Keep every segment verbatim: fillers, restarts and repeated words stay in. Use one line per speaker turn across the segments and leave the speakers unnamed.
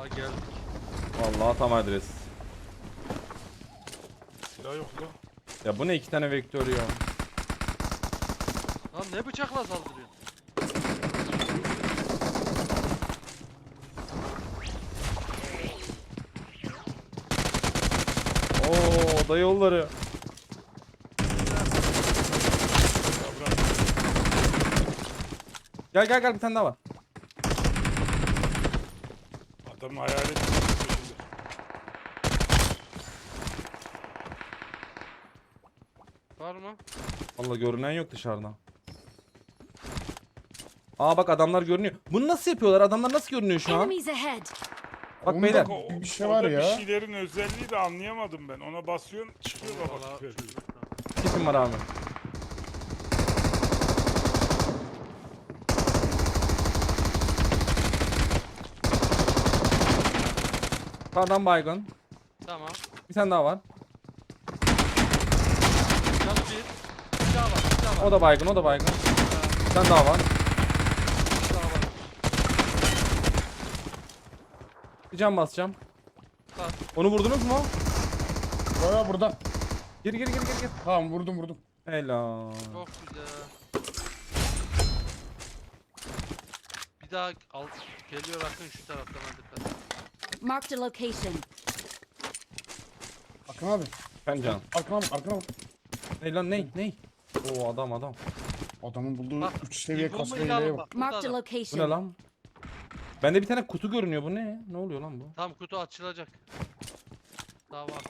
Aa geldik.
Vallahi tam adres.
Silah yok lan.
Ya bu ne iki tane vektör ya.
Lan ne bıçakla saldırıyorsun?
Oo da yolları. Gel gel gel bir tane daha var.
Adamın hayalet peşinde.
Var mı?
Vallahi görünen yok dışarıdan. Aa bak adamlar görünüyor. Bunu nasıl yapıyorlar? Adamlar nasıl görünüyor şu an?
Enemies ahead.
Bak
Onda
beyler.
O,
bir şey
orada
var ya.
Bir şeylerin özelliği de anlayamadım ben. Ona basıyorsun çıkıyor baba.
Vallahi
süper.
çözmek lazım.
Kim var abi? Adam baygın.
Tamam.
Bir tane daha var.
Canı bir. Bir daha var. Bir daha var.
O da baygın, o da baygın.
Ha,
Bir tane daha var.
bir daha var.
Bir can basacağım.
Bas.
Onu vurdunuz mu?
Baya burada.
Gir gir gir gir gir.
Tamam vurdum vurdum.
Helal.
Çok güzel. Bir daha al. Geliyor Akın şu taraftan hadi. dikkat.
Marked a location.
Akın abi.
Ben can.
Arkana bak arkana bak.
Ne lan ne? Ne? Oo adam adam.
Adamın bulduğu
Bak,
üç seviye
İlk
kasma
bombayı da
hileye
alın
bak.
bak. burada
Marked a
adam.
Bu ne
location.
lan? Bende bir tane kutu görünüyor. Bu ne? Ne oluyor lan bu?
Tam kutu açılacak. Daha var.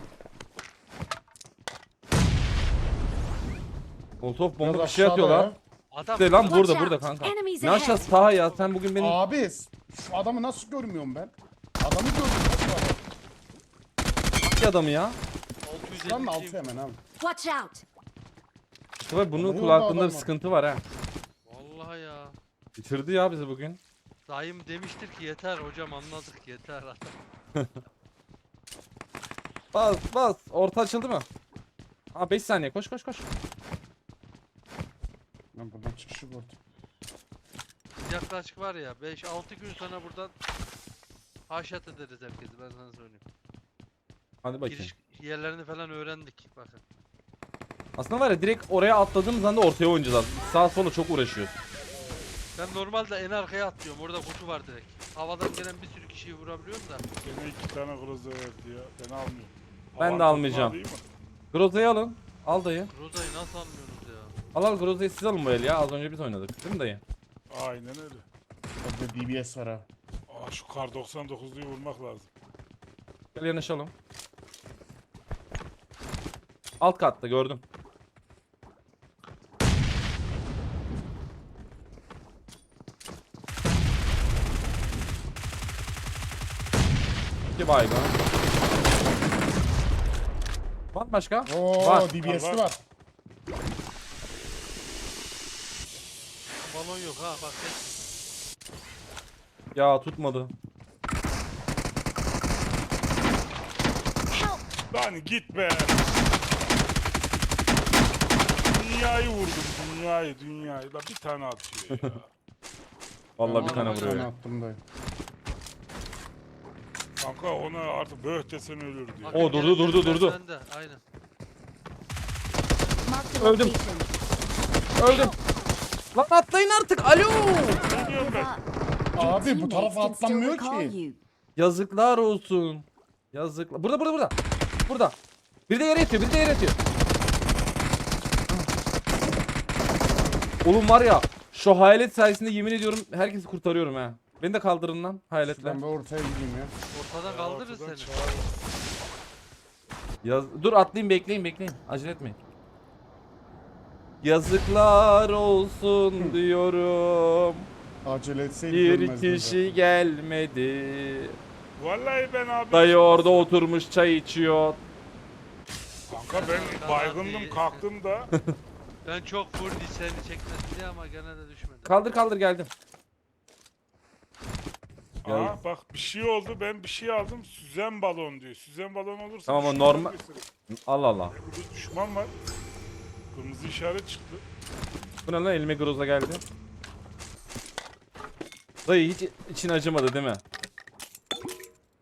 Molotov bomba
Biraz
bir şey
aşağıda
atıyorlar.
ya.
Adam
De lan
Watch
burada
out.
burada kanka.
Enemies
Ne
ahead.
aşağısı Taha ya sen bugün benim
Abi şu adamı nasıl görmüyorum ben? Adamı gördüm. Nasıl adam?
bir adamı ya.
Şuranın
altı
altı
yüz elli
hemen abi.
Watch out.
İşte bak bunun
Adamın
kulaklığında
yolda
bir
adam var.
sıkıntı var ha.
Vallahi ya.
Bitirdi ya bizi bugün.
Dayım demiştir ki yeter hocam anladık yeter.
Bas bas. Orta açıldı mı? Aa beş saniye koş koş koş.
Ben buradan çıkışı gördüm.
Yaklaşık var ya beş altı gün sonra buradan haşat ederiz herkesi ben sana söyleyeyim.
Hadi bakayım.
Giriş yerlerini falan öğrendik bakın.
Aslında var ya direkt oraya atladığımız anda ortaya oynayacağız. Sağ sola çok uğraşıyoruz.
Ben normalde en arkaya atlıyorum orada kutu var direkt. Havadan gelen bir sürü kişiyi vurabiliyorum da.
Gene iki tane groza verdi ya. Ben almıyorum.
Ben de
Havan
almayacağım.
topunu alayım mı?
Groza'yı alın. Al dayı.
Rozayı nasıl almıyorsunuz ya?
Al al Groza'yı siz alın bu el ya. Az önce biz oynadık. Değil mi dayı?
Aynen öyle.
Orada D B S var ha.
Aa, şu kar doksan dokuzluyu vurmak lazım.
Gel yanaşalım. Alt katta gördüm. İki baygın. Var mı başka?
Oo
Var.
D B S'li
Var, var.
var.
Balon yok ha bak geç.
Ya tutmadı.
Help.
Lan git be. Dünyayı vurdum dünyayı dünyayı. Lan bir tane atıyor ya.
Vallahi bir
Aa,
tane
var.
Bir
vuruyor.
tane
ya.
attım dayı.
Kanka ona artık böh desem ölür diyor.
Akın
Oo, durdu,
gelen
durdu,
yerler
durdu.
bende, aynen.
Marked a
Öldüm.
location.
Öldüm. Lan atlayın artık. Alo.
Ne diyorum ben?
Abi bu tarafa
Teammates can still
atlanmıyor
recall
ki.
you.
Yazıklar olsun. Yazıklar. Burada burada burada. Burada. Bir de yere yatıyor. Bir de yere yatıyor. Oğlum var ya. Şu hayalet sayesinde yemin ediyorum herkesi kurtarıyorum ha. Beni de kaldırın lan hayaletle.
Ben bir ortaya gideyim ya.
Ortadan kaldırırız
Ortadan
seni.
çağır.
Yaz Dur atlayayım bekleyin bekleyin. Acele etmeyin. Yazıklar olsun diyorum.
Acele etseydik
Bir
ölmezdim
kişi gelmedi.
Vallahi ben abi.
Dayı orada oturmuş çay içiyor.
Kanka ben baygındım kalktım da.
Ben çok full seni çekmesin diye ama gene de düşmedim.
Kaldır kaldır geldim. Ya-
Aa bak bir şey oldu ben bir şey aldım. Süzen balon diyor. Süzen balon olursa.
Tamam, o
düşman
normal-
olursun.
Allah Allah.
Burada düşman var. Kırmızı işaret çıktı.
Bu ne lan elime groza geldi. Dayı hiç için acımadı değil mi?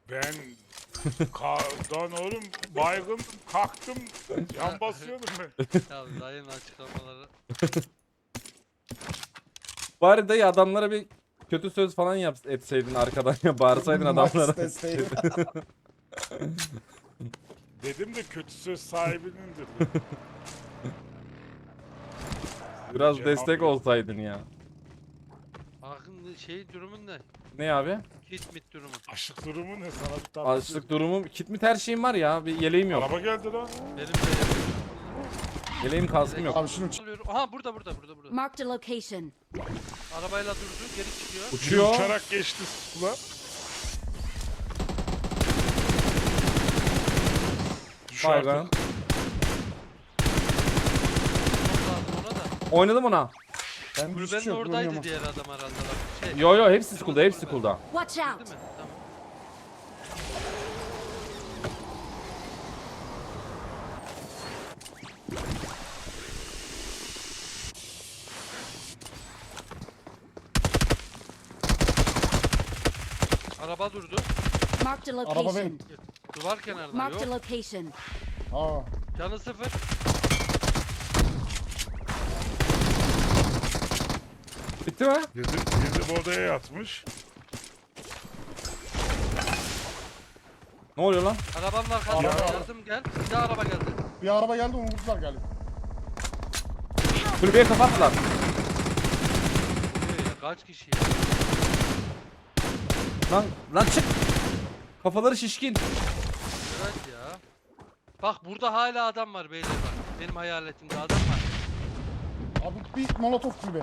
Ben Ka- lan oğlum baygın kalktım yan basıyordum ben.
Ya dayının açıklamaları.
Bari dayı adamlara bir kötü söz falan yap etseydin arkadan ya bağırsaydın adamlara.
Max desteği.
Dedim de kötü söz sahibinindir. dedim.
Biraz
Cevap
destek
yok.
olsaydın ya.
Akın şey durumun ne?
Ne abi?
Kit mit durumun.
Açlık durumu ne sana bir tatlı.
Açlık durumum. Kit mi her şeyim var ya. Bir yeleğim yok.
Araba geldi lan.
Benim de yerim.
Yeleğim kaskım yok.
Abi şunu ç-
Alıyorum. Aha burada burada burada burada.
Marked a location.
Arabayla durdu geri çıkıyor.
Biri
Uçuyor.
uçarak geçti kula. Düş
Baygan.
artık.
Çok lazım ona da.
Oynadım ona.
ben bir
Kulübenin
şey yok.
oradaydı
oynayamam.
diğer adam herhalde. Bak. Şey,
Yo yo hepsi school'da hepsi school'da.
Watch
değil
out.
mi? Tamam. Araba durdu.
Marked a
Araba
location.
benim.
Duvar kenarında
Marked a
yok.
location.
Aa.
Canı sıfır.
Bitti mi?
Girdi, girdi bu odaya yatmış.
Ne oluyor lan?
Arabanın arkasında
Araba-
yardım gel. Bir daha araba geldi.
Bir araba geldi onu vurdular galiba.
Kulübeye kapattılar.
Ee, ya kaç kişi ya?
Lan lan çık. Kafaları şişkin.
Evet ya. Bak burada hala adam var beyler bak. Benim hayaletimde adam var.
Abi bir molotof kulübe.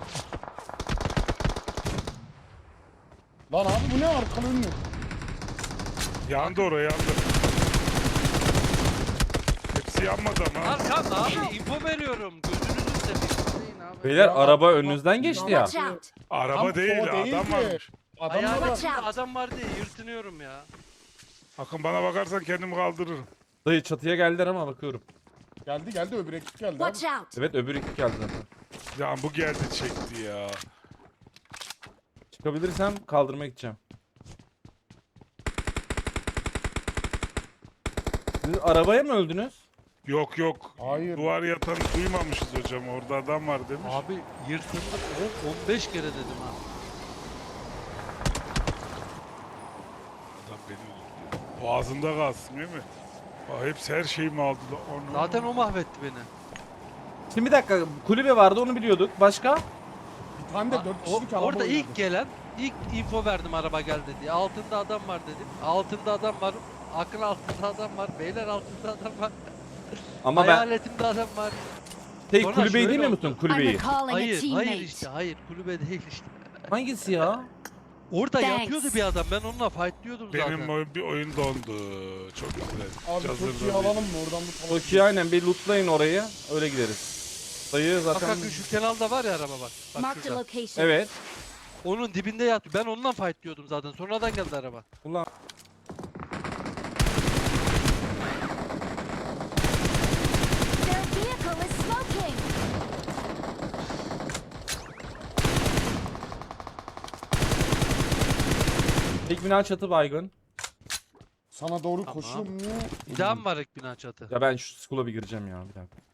Lan abi bu ne arkalı önlü?
Yandı oraya yandı. Hepsi yanmadı ama.
Arkam abi info veriyorum. Gözünüzü seveyim. Abi.
Beyler
Ya,
araba
bak-
önünüzden geçti ya.
Watch out.
Araba
Tam
değil
o
adam
değildi.
varmış.
Adamlar var.
Hayaletimde
Watch out.
adam var diye yırtınıyorum ya.
Akın bana bakarsan kendimi kaldırırım.
Dayı çatıya geldiler ama bakıyorum.
Geldi geldi öbür ekip geldi abi.
Watch out.
Evet öbür ekip geldi zaten.
Ya bu geldi çekti ya.
Çıkabilirsem kaldırmaya gideceğim. Siz arabaya mı öldünüz?
Yok yok.
Hayır.
Duvar yatanı duymamışız hocam. Orada adam var demiş.
Abi yırtındık on- on beş kere dedim ha.
Adam beni öldürdü. Boğazında kalsın değil mi? Aa, hepsi her şeyimi aldılar. Onu...
Zaten o mahvetti beni.
Şimdi bir dakika kulübe vardı onu biliyorduk. Başka?
Bir tane de dört
O-
kişilik araba
orada
oynadı.
ilk gelen ilk info verdim araba geldi diye. Altında adam var dedim. Altında adam var. Akın altında adam var. Beyler altında adam var.
Ama ben
Hayaletimde adam var.
şey
Sonra
kulübeyi
şöyle
demiyor
oldu.
musun
I'm
kulübeyi?
recalling a
Hayır, hayır
teammate.
işte, hayır. Kulübe değil işte.
Hangisi ya?
Orada
Thanks.
yatıyordu bir adam. Ben onunla fightlıyordum
Benim
zaten.
oyun, bir oyun dondu. Çok güzel.
Abi
Cazır
çok iyi
da
alalım
değil.
mı oradan bu tarafa?
Toki aynen bir lootlayın orayı. Öyle gideriz. Dayı
Bak
zaten...
Akın şu kenarda var ya araba bak. Bak
Marked a
şurada.
location.
Evet.
Onun dibinde yatıyor. Ben onunla fightlıyordum zaten. Sonradan geldi araba.
Ulan
Their vehicle is smoking.
tek bina çatı baygın.
Sana doğru
Tamam.
koşuyor mu?
Bir daha mı var ek bina çatı?
Ya ben şu school'a bir gireceğim ya bir dakika.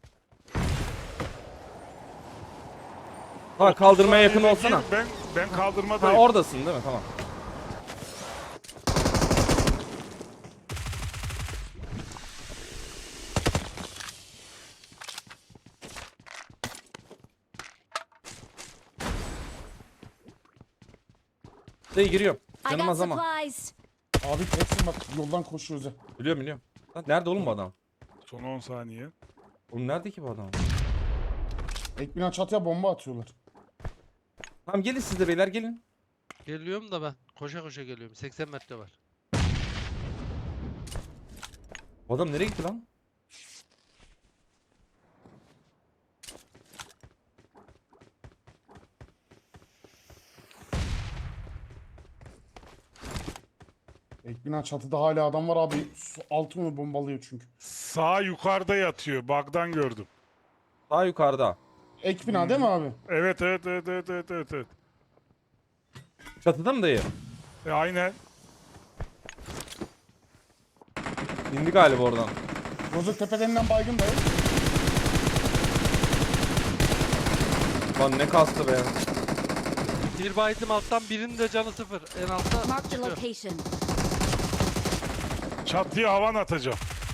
Ha kaldırmaya yakın
Saniye
olsana.
gir, Ben ben
Ha
kaldırmadayım.
oradasın değil mi? Tamam. Dayı giriyorum.
I
Canım
got
az ama.
supplies.
Abi teksin bak yoldan koşuyoruz ya.
Biliyorum biliyorum. Lan nerede oğlum bu adam?
Son on saniye.
Oğlum nerede ki bu adam?
Ek bina çatıya bomba atıyorlar.
Tamam gelin siz de beyler gelin.
Geliyorum da ben. Koşa koşa geliyorum. seksen metre var.
Bu adam nereye gitti lan?
Ek bina çatıda hala adam var abi. Su altı onu bombalıyor çünkü.
Sağ yukarıda yatıyor. Bug'dan gördüm.
Daha yukarıda.
Ek bina değil mi abi?
Evet evet evet evet evet evet. evet.
Çatıda mı dayı?
E, aynen.
İndi galiba oradan.
Bozuk tepelerinden baygın dayı.
Lan ne kastı be.
Bir baydım alttan, birinin de canı sıfır. En altta
Marked a
çıkıyor.
location.
Çatıya havan atacağım.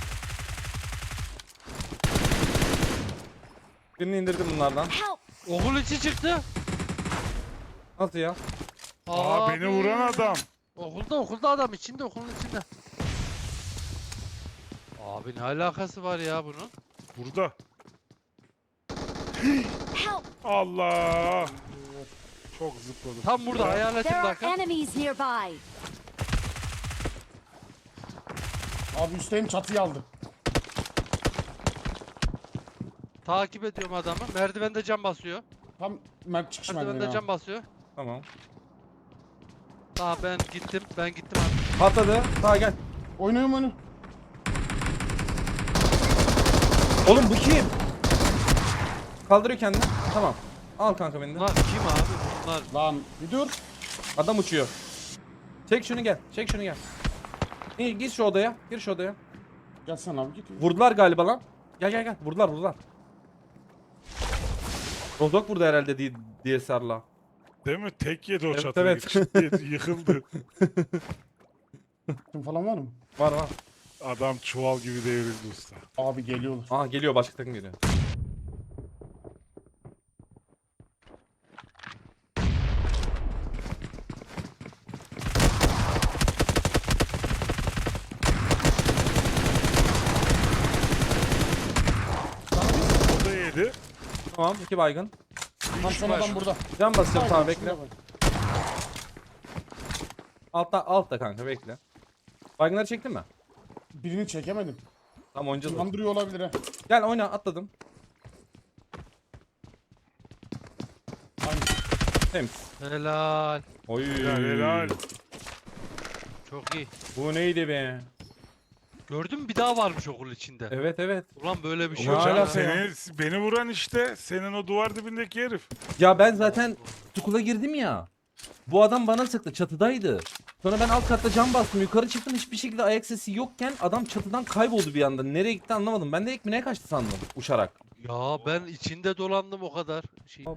Birini indirdim bunlardan.
Help!
Okul içi çıktı.
Nasıl ya?
Aa, beni vuran adam.
Okulda okulda adam içinde, okulun içinde. Abi ne alakası var ya bunun?
Burada.
Help!
Allah. Çok zıpladım.
Tam burada
There
hayaletin
are
dakika.
enemies nearby.
Abi üstteyim, çatıyı aldı.
Takip ediyorum adamı. Merdivende cam basıyor.
Tam Mert çıkış merdiveni.
Merdivende
abi.
cam basıyor.
Tamam.
Tamam ben gittim. Ben gittim abi.
Patladı. Sağa gel.
Oynuyorum oyunu.
Oğlum bu kim? Kaldırıyor kendini. Tamam. Al kanka beni de.
Bunlar kim abi? Bunlar.
Lan bir dur.
Adam uçuyor. Çek şunu gel. Çek şunu gel. İyi gir şu odaya. Gir şu odaya.
Gelsene abi git.
Vurdular galiba lan. Gel gel gel. Vurdular vurdular. Rozok vurdu herhalde diye, diye sarla.
Değil mi? Tek yedi o
Evet,
çatıya.
evet.
Çıt diye yıkıldı.
Kim falan var mı?
Var var.
Adam çuval gibi devrildi usta.
Abi geliyorlar.
Aha geliyor, başka takım geliyor.
O da yedi.
Tamam, iki baygın.
Tam son adam burada.
Can basacağım, tamam
Baygın,
bekle.
şurada bak.
Altta altta kanka bekle. Baygınları çektin mi?
Birini çekemedim.
Tamam oynayacağız.
Kandırıyor olabilir ha.
Gel oyna, atladım.
Aynı.
Temiz.
Helal.
Oy.
Helal helal.
Çok iyi.
Bu neydi be?
Gördün mü bir daha varmış okul içinde.
Evet evet.
Ulan böyle bir şey
Ulan
yok.
hala
ya.
sen-
Seni, beni vuran işte. Senin o duvar dibindeki herif.
Ya ben zaten tukula girdim ya. Bu adam bana sıktı, çatıdaydı. Sonra ben alt katta cam bastım, yukarı çıktım, hiçbir şekilde ayak sesi yokken adam çatıdan kayboldu bir anda. Nereye gitti anlamadım. Ben de ekmeğe kaçtı sandım uçarak.
Ya ben içinde dolandım o kadar. Şey.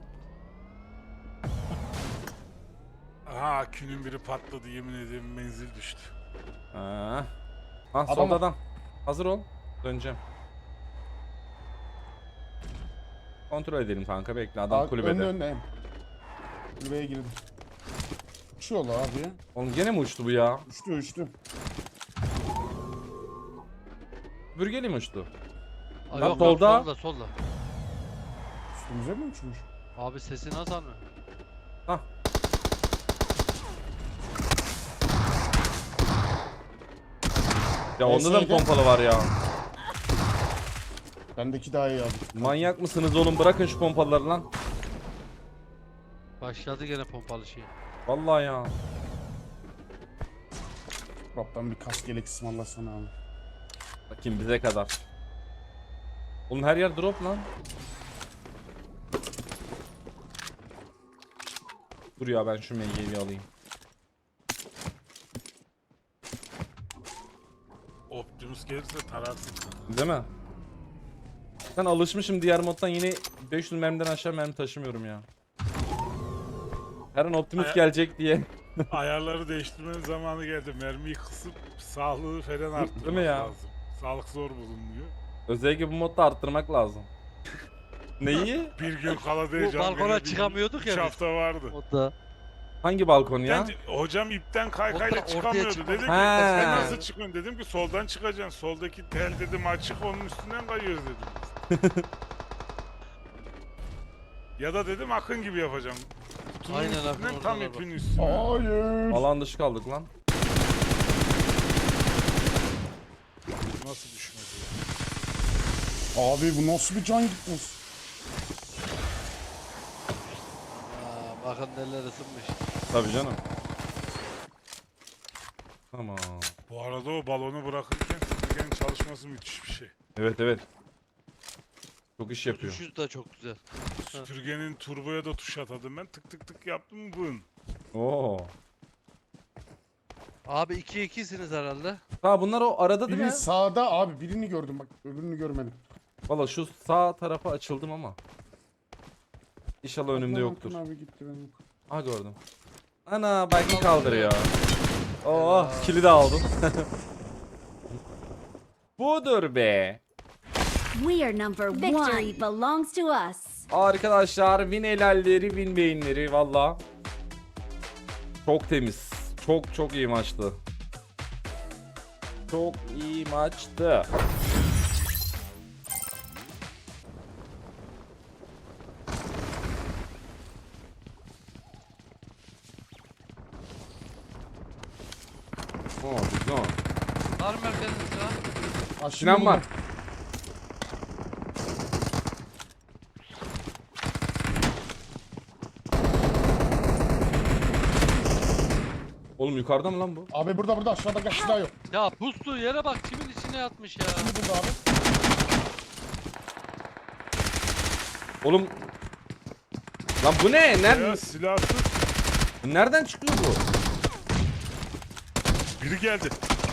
Aha, külün biri patladı, yemin ederim menzil düştü.
Ha. Ah
Adam-
solda adam. Hazır ol. Döneceğim. Kontrol edelim kanka, bekle, adam
Abi,
kulübede.
önde önde. Kulübeye girdim. Uçuyorlar abi ya.
Oğlum gene mi uçtu bu ya?
Uçtu uçtu.
Bürgeli mi uçtu?
Aa,
Lan
yok, yok,
solda.
solda solda.
Üstümüze mi uçmuş?
Abi sesi nasıl anlıyor?
Hah. Ya onda da mı
Neyse,
pompalı var ya?
Bendeki daha iyi abi.
Manyak mısınız oğlum? Bırakın şu pompaları lan.
Başladı gene pompalı şey.
Vallahi ya.
Rab'dan bir kask yelek ısmarlasana abi.
Bakayım bize kadar. Oğlum her yer drop lan. Dur ya, ben şu M G'yi alayım.
Optimus gelirse tararsın.
Değil mi? Ben alışmışım diğer moddan, yine beş yüz mermiden aşağı mermi taşımıyorum ya. Her an Optimus
Aya-
gelecek diye.
Ayarları değiştirmenin zamanı geldi. Mermiyi kısıp sağlığı falan arttırmak
Değil mi ya?
lazım. Sağlık zor bulunuyor.
Özellikle bu modda arttırmak lazım. Neyi?
Bir gün kala
Bu
diyeceğim.
balkona çıkamıyorduk ya
üç
biz.
hafta vardı.
O da.
Hangi balkon ya?
Ben, hocam ipten kaykayla
Orta- ortaya
çıkamıyordu.
çıkmadı.
Dedi ki
He.
sen nasıl çıkıyorsun? Dedim ki soldan çıkacaksın. Soldaki tel dedim açık, onun üstünden kayıyoruz dedim. Ya da dedim akın gibi yapacağım. Kutunun
Aynen abi,
üstünden
oradan
tam
da
ipin üstüne.
Hayır.
Alan dışı kaldık lan.
Nasıl düşmedi?
Abi bu nasıl bir can gitmez?
Aa, bakın neler ısınmış.
Tabii canım. Tamam.
Bu arada o balonu bırakırken süpürgenin çalışması müthiş bir şey.
Evet evet. Çok iş yapıyor.
Düşüş de çok güzel.
Süpürgenin turboya da tuş atadım ben. Tık tık tık yaptım bın.
Oo.
Abi iki ikisiniz herhalde.
Ha bunlar o arada değil
Biri
mi?
sağda abi, birini gördüm bak, öbürünü görmedim.
Valla şu sağ tarafa açıldım ama. İnşallah önümde
Aklan
yoktur.
Akın abi gitti benim.
Ha gördüm. Ana baygın kaldırıyor. Oh kili de aldım. Budur be.
We are number one. Victory belongs to us.
Arkadaşlar win helalleri win beyinleri valla. Çok temiz. Çok çok iyi maçtı. Çok iyi maçtı. Oh, güzel.
Var mı merkeziniz ya?
Ha, şimdi
Sinan var.
buldum.
Oğlum yukarıda mı lan bu?
Abi burada burada aşağıda kaç silah yok.
Ya pustu yere bak kimin içine yatmış ya.
Şimdi burada abi.
Oğlum. Lan bu ne?
Ya
Nereden,
silahsız.
nereden çıkıyor bu?
Biri geldi.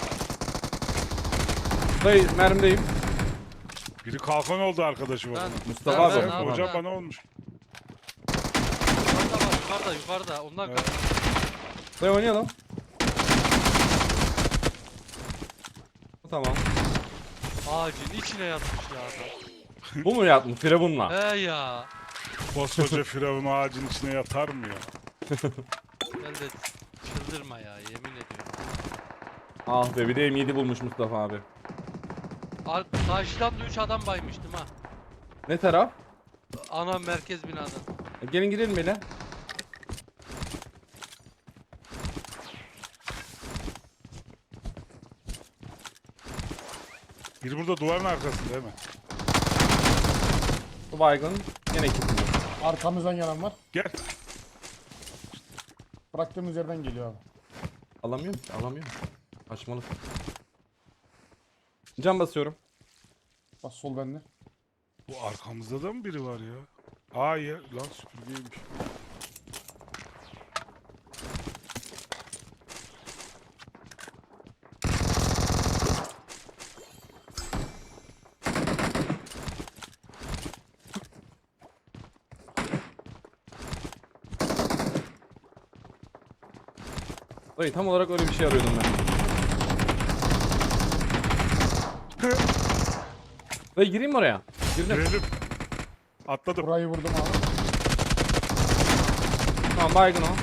Dayı mermideyim.
Biri kalkan oldu arkadaşım.
Ben,
Mustafa
ben-
abi.
ben-
Sen
ben-
hocam
ben-
bana olmuş.
Yukarıda var yukarıda yukarıda. Onlar
Evet.
Dayı oynayalım. Tamam.
ağacın içine yatmış ya adam.
Bu mu yatmış? Firavunla.
He ya.
Koskoca firavun ağacın içine yatar mı ya?
Ben de çıldırma ya yemin ediyorum.
Ah be bir de M yedi bulmuş Mustafa abi.
Ar karşıdan da üç adam baymıştım ha.
Ne taraf?
Ana merkez binadan.
E, gelin girelim hele.
Biri burada duvarın arkasında değil mi?
Bu baygın. Yine kilitli.
Arkamızdan gelen var.
Gel.
Bıraktığımız yerden geliyor abi.
Alamıyorum ki alamıyorum. Açmalı. Can basıyorum.
Bak sol bende.
Bu arkamızda da mı biri var ya? Aa ya lan süpürgeymiş.
Dayı tam olarak öyle bir şey arıyordum ben. Dayı gireyim mi oraya? Girdim.
Girelim. Atladım.
Burayı vurdum abi.
Tamam baygın o.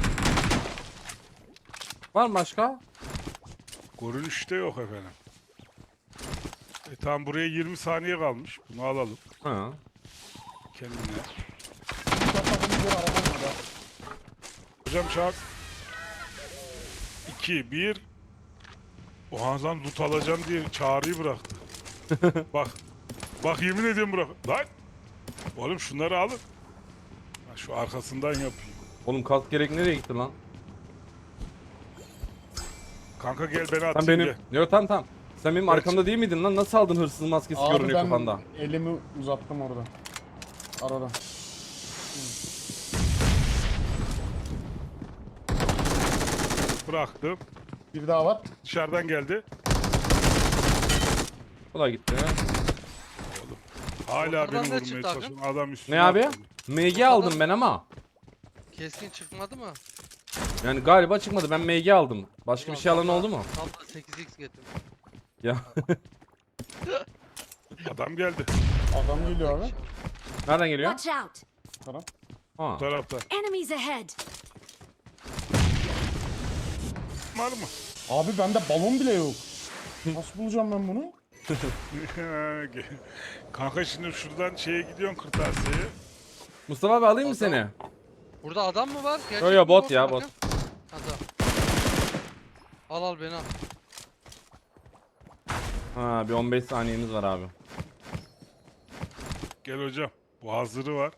Var mı başka?
Görünüşte yok efendim. E tamam buraya yirmi saniye kalmış. Bunu alalım
Ha.
kendine.
Bıraktığımız yer araba var ya.
Hocam çağır. iki, bir. O Hanzan loot alacağım diye çağrıyı bıraktı. Bak. Bak yemin ediyorum bırak. Lan. Oğlum şunları alın. Ha, şu arkasından yapayım.
Oğlum kask gerek nereye gitti lan?
Kanka gel beni atayım
Sen benim...
gel.
Yok tamam tamam. Sen benim
Gerçi-
arkamda değil miydin lan? Nasıl aldın hırsız maskesi
Abi
görünüyor
ben
kafanda?
elimi uzattım orada. Arada.
Bıraktım.
Bir daha var.
Dışarıdan geldi.
Bu da gitti.
Hala
Ortadan
beni
ne
vurmaya
çıktı
çalışıyor. Adam üstüne
Ne abi?
atladı.
M G aldım ben ama.
Keskin çıkmadı mı?
Yani galiba çıkmadı. Ben M G aldım. Başka bir şey alan oldu mu?
Tam da sekiz x getirdim.
Ya.
Adam geldi.
Adam geliyor abi.
Nereden geliyor?
Watch out.
Tamam.
Ha.
Bu tarafta.
Enemies ahead.
Var mı?
Abi bende balon bile yok. Nasıl bulacağım ben bunu?
Kanka şimdi şuradan şeye gidiyorsun kırtasiyeye.
Mustafa abi alayım mı
Adam.
seni?
Burada adam mı var? Gerçek
Yo, yo,
mi
bot
bu?
ya,
Bakın.
bot.
Ha, tamam. Al al beni al.
Ha bir on beş saniyemiz var abi.
Gel hocam. Bu hazırı var.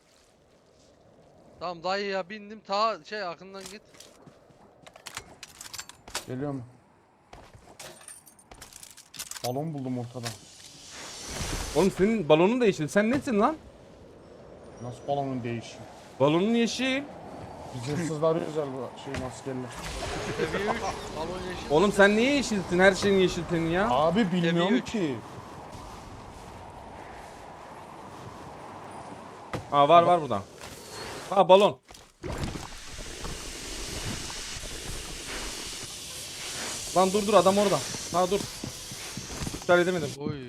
Tamam dayı ya bindim ta şey akından git.
Geliyor mu? Balon buldum ortada.
Oğlum senin balonun değişti. Sen nesin lan?
Nasıl balonun değişiyor?
Balonun yeşil.
Biz hırsızlar arıyoruz ya bu şey maskeli.
Seviye üç. Balon yeşil.
Oğlum sen niye yeşilsin? Her şeyin yeşil senin ya.
Abi bilmiyorum
üç.
ki.
Aa var var burada. Aa balon. Lan dur dur adam orada. Ha dur. İptal edemedim.
Oy.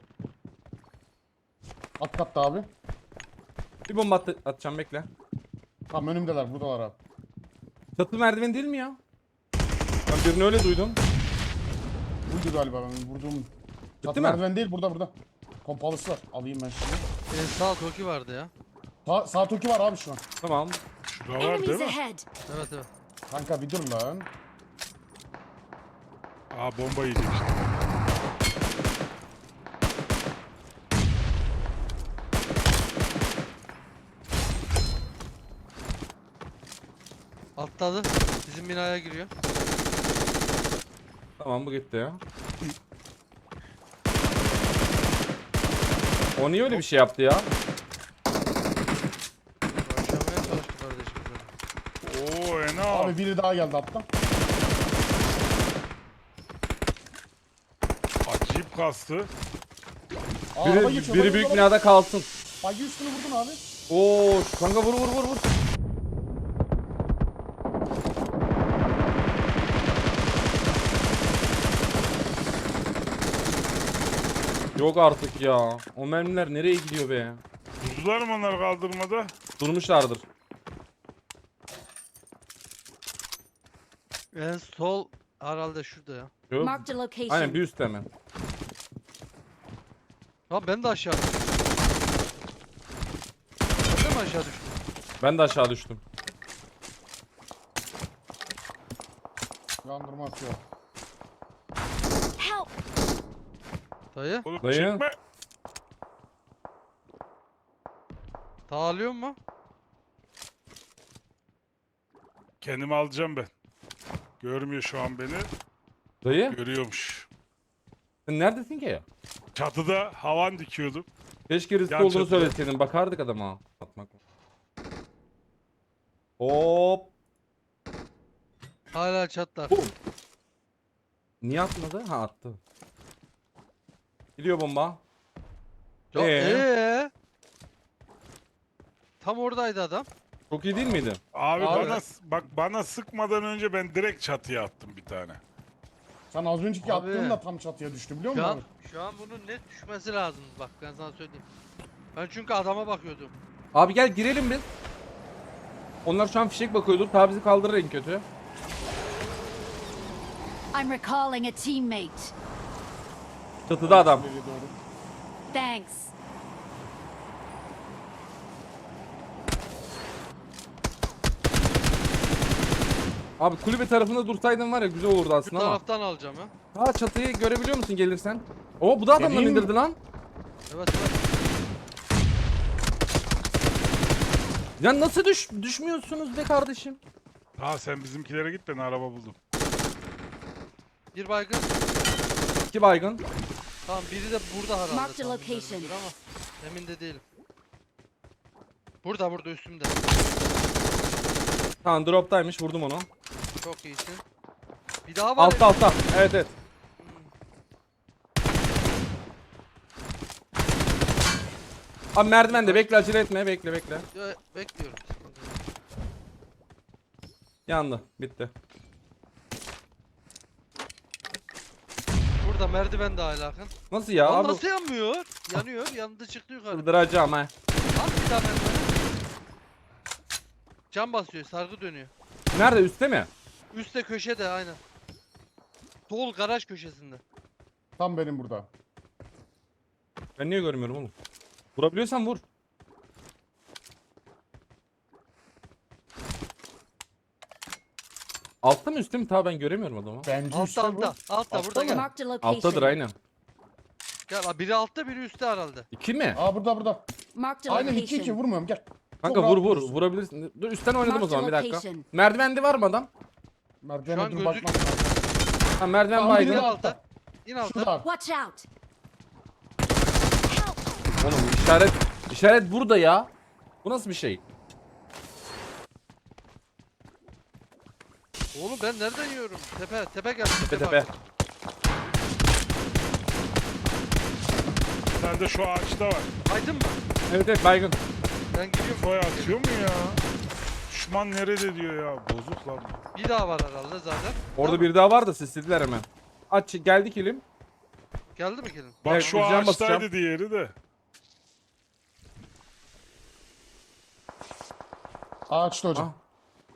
At katta abi.
Bir bomba at atacağım bekle.
Tam önümdeler buradalar abi.
Çatı merdiven değil mi ya? Ben birini öyle duydum.
Buydu galiba ben vurduğum. Çatı
mi?
merdiven değil burada burada. Pompalısı var. Alayım ben şimdi.
En sağ toki vardı ya.
Sağ, sağ toki var abi şu an.
Tamam.
Şurada var değil
Enemies
mi?
ahead.
Evet evet.
Kanka bir dur lan.
Aa bomba yedik işte.
Atladı. Bizim binaya giriyor.
Tamam bu gitti ya. O niye öyle bir şey yaptı ya?
Başlamaya çalıştı kardeşim. benim.
Oo Ena.
Abi biri daha geldi hatta.
Acayip kastı.
Aa, araba
Biri,
geçiyor.
biri
bak,
büyük
araba-
binada kalsın.
Bagi üstünü vurdun abi.
Oo kanka vur vur vur vur. Yok artık ya. O mermiler nereye gidiyor be?
Durdular mı onlar kaldırmada?
Durmuşlardır.
En sol herhalde şurada ya.
Yok.
Marked a location.
Aynen bir üstte hemen.
Ha ben de aşağı düştüm. Ben de mi aşağı düştüm?
Ben de aşağı düştüm.
Yandırma atıyor.
Help.
Dayı.
Oğlum
Dayı.
çekme.
Dağılıyor mu?
Kendimi alacağım ben. Görmüyor şu an beni.
Dayı
Görüyormuş.
sen neredesin ki?
Çatıda havan dikiyordum.
Keşke riskli
Yan
olduğunu
çatıda.
söyleseydin. Bakardık adama. Atmak. Hop.
Hala çatlar.
Bum. Niye atmadı? Ha attı. Gidiyor bomba.
Ya,
Ee?
ee? Tam oradaydı adam.
Çok iyi değil miydi?
Abi,
Abi.
bana bak bana sıkmadan önce ben direkt çatıya attım bir tane.
Sen az önceki
Abi.
attığınla tam çatıya düştü biliyor
Şu
musun
an,
abi?
şu an bunun net düşmesi lazım. Bak ben sana söyleyeyim. Ben çünkü adama bakıyordum.
Abi gel girelim biz. Onlar şu an fişek bakıyordur. Tabi bizi kaldırır en kötü.
I'm recalling a teammate.
Çatıda adam.
Nereye doğru?
Thanks.
Abi kulübe tarafında dursaydın var ya güzel olurdu
Şu
aslında ama.
taraftan alacağım ya.
Ha çatıyı görebiliyor musun gelirsen? Oo bu da adamları
Geleyim mi?
indirdi lan.
Evet evet.
Ya nasıl düş düşmüyorsunuz be kardeşim?
Ha sen bizimkilere git, ben araba buldum.
Bir baygın.
İki baygın.
Tamam biri de burada herhalde.
Marked a
tahmin
location.
edilebilir ama emin de değilim. Burada burada üstümde.
Tamam droptaymış vurdum onu.
Çok iyisin. Bir daha var.
Altta altta. Evet evet. Abi merdivende bekle acele etme bekle bekle.
Ya, bekliyorum.
Yandı bitti.
Burada merdiven de alakın.
Nasıl ya
Lan
abi?
nasıl yanmıyor? Yanıyor. Yandı çıktı yukarı.
Kırdıracağım ha.
At bir daha merdiveni. Cam basıyor. Sargı dönüyor.
Nerede üstte mi?
Üstte köşede aynen. Sol garaj köşesinde.
Tam benim burada.
Ben niye görmüyorum oğlum? Vurabiliyorsan vur. Altta mı üstte mi? Ta ben göremiyorum adamı.
Bence
Altta
üstte bu.
altta. Altta burada
mı?
gel.
Marked a location.
Alttadır aynen.
Gel aa, biri altta biri üstte herhalde.
İki mi?
Aa burada burada.
Marked a
Aynen iki iki
location.
vurmuyorum gel.
Kanka
Çok
vur
rahat
vur
vurursun.
vurabilirsin. Dur üstten oynadım o
Mark
zaman bir
the
dakika.
location.
Merdivende var mı adam?
Şu
Merdivene
an
dur
gözük-
bakmak lazım.
Ha merdiven
Tamam, biri
İn
baygın.
de-
altta. İn altta.
Şurada abi.
Watch out.
Oğlum işaret işaret burada ya. Bu nasıl bir şey?
Oğlum ben nereden yiyorum? Tepe, tepe geldi.
Tepe tepe.
Sen de şu ağaçta var.
Aydın mı?
Evet evet baygın.
Ben gidiyorum.
Foya atıyor mu ya? Düşman nerede diyor ya? Bozuk lan. bu.
Bir daha var herhalde zaten.
Orada
Değil mi?
bir daha var da sislediler hemen. Aç geldi kilim.
Geldi mi gelin?
Bak
Evet,
şu
uzcan
ağaçtaydı
basacağım.
diğeri de.
Ağaçta hocam.
Ah.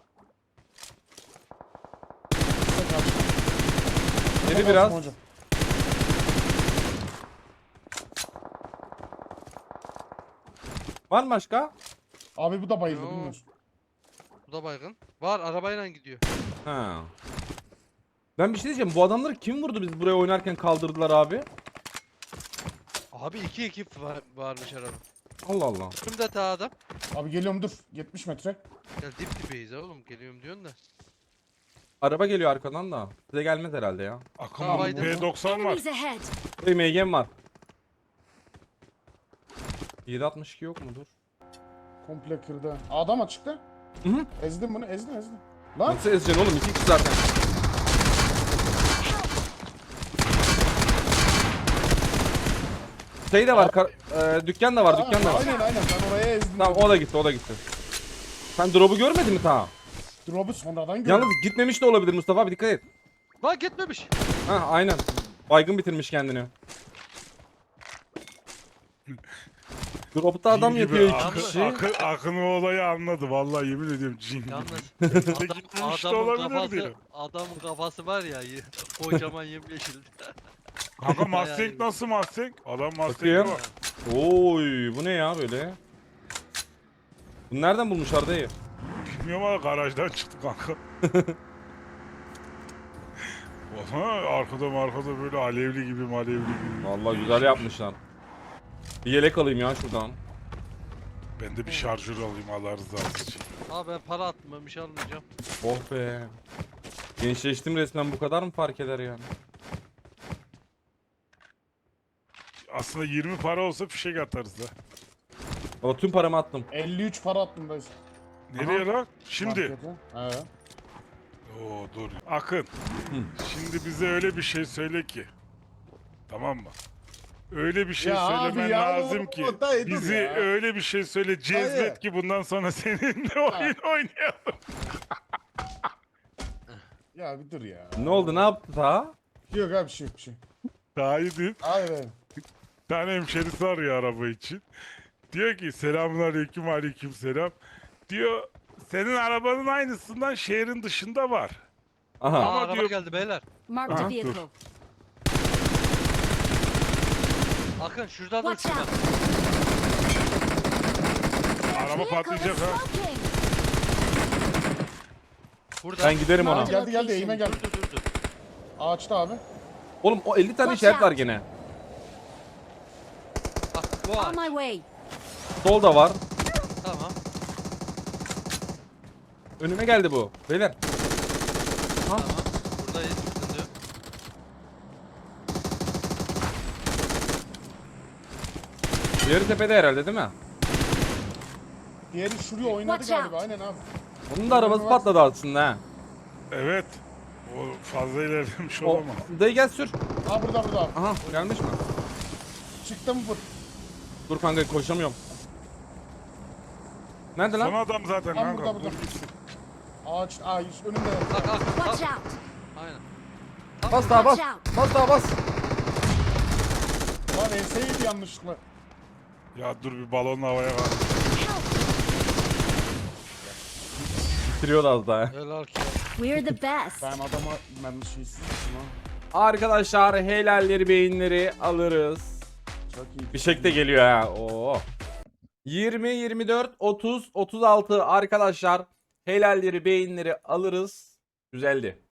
Yedi biraz.
Hocam.
Var mı başka?
Abi bu da bayıldı
Yo.
bilmiyorsun.
Bu da baygın. Var arabayla gidiyor.
Ha. Ben bir şey diyeceğim. Bu adamları kim vurdu biz buraya oynarken kaldırdılar abi?
Abi iki ekip var, varmış araba.
Allah Allah.
Şimdi ta adam.
Abi geliyorum dur. yetmiş metre.
Ya dip dibeyiz oğlum geliyorum diyorsun da.
Araba geliyor arkadan da. Size gelmez herhalde ya.
Akın
Tamam,
bu
Aydın.
P doksan var.
Enemies ahead.
Hey M G'm var. yedi altmış iki yok mudur?
Komple kırdı. Adam açıkta.
Hı hı.
Ezdim bunu ezdim ezdim. Lan.
Nasıl ezeceksin oğlum? iki kişi zaten. Şey de var. kar- e, dükkan da var. Dükkan da var.
Aynen aynen ben oraya ezdim.
Tamam o da gitti o da gitti. Sen drop'u görmedin mi ta?
Drop'u sonradan gördüm.
Yalnız gitmemiş de olabilir Mustafa abi dikkat et.
Lan gitmemiş.
Ha aynen. Baygın bitirmiş kendini. Drop'ta adam
Cin gibi
yatıyor iki
Akın,
kişi.
Akın, Akın o olayı anladı. Vallahi yemin ediyorum cin gibi.
Yalnız adam,
gitmemiş de
adamın
olabilir
kafası,
diyor.
adamın kafası var ya y- kocaman yemyeşil.
Kanka
Bayağı
Mustang
iyi.
nasıl Mustang? Adam Mustang'e
Bakayım.
bak.
Oy bu ne ya böyle? Bunu nereden bulmuşlar dayı?
Bilmiyorum ama garajdan çıktı kanka. Oha, arkada arkada böyle alevli gibi malevli gibi.
Vallahi güzel yapmışlar. Bir yelek alayım ya şuradan.
Ben de bir şarjör alayım Allah rızası için.
Abi ben para attım ben bir şey almayacağım.
Oh be. Gençleştim resmen bu kadar mı fark eder yani?
Aslında yirmi para olsa fişek atarız da.
Valla tüm paramı attım.
elli üç para attım dayı.
Nereye lan? Şimdi.
Markete. He.
Oo dur. Akın. Şimdi bize öyle bir şey söyle ki. Tamam mı? Öyle bir şey
Ya abi
söylemen
ya,
lazım
o-
ki.
o dayı dur
Bizi
ya.
öyle bir şey söyle cezbet
Dayı.
ki bundan sonra seninle oyun oynayalım.
Ya bir dur ya.
Ne oldu ne yaptı ta?
Yok abi bir şey yok bir şey.
Daha iyi değil.
Hayır hayır.
Bir tane hemşerisi arıyor araba için. Diyor ki selamun aleyküm aleyküm selam. Diyor senin arabanın aynısından şehrin dışında var.
Aha.
Aa,
Ama
araba
diyor-
geldi beyler.
Marked
Aha,
a
dur.
vehicle.
Akın şurada dur
Watch
şurada.
out.
Araba patlayacak ha.
Smoking.
Burada.
Ben giderim ona.
Marked
Geldi geldi eğime geldi.
Dur dur dur. dur.
Ağaçta abi.
Oğlum o elli tane
Watch
işaret var
out.
gene.
Bak bu
On
ağaç.
my way.
Solda var.
Tamam.
Önüme geldi bu. Beyler.
Tamam. Buradayız. Sıkıntı yok.
Diğeri tepede herhalde değil mi?
Diğeri şuraya oynadı
Watch
galiba
out.
aynen abi.
Onun da arabası patladı aslında ha.
Evet. O fazla ilerlemiş
O,
olamaz.
dayı gel sür.
Ha burada burada abi.
Aha gelmiş mi?
Çıktı mı bu?
Dur kanka koşamıyorum. Nerede
Son
lan?
adam zaten
Tam
kanka.
burada burada.
Dur gitsin.
Ağaç, ağaç önünde.
Bak Akın.
Watch
Bak.
out.
Aynen.
Bas daha bas.
Watch out.
Bas daha bas.
Lan enseydi yanlışlıkla.
Ya dur bir balonla havaya kalk.
Bitiriyor az daha.
Helal ki.
We're the best.
Ben adama ben şeysiz ha.
Arkadaşlar helalleri beyinleri alırız.
Çok iyi.
Bir şekilde geliyor ha. Oo. yirmi, yirmi dört, otuz, otuz altı arkadaşlar helalleri beyinleri alırız. Güzeldi.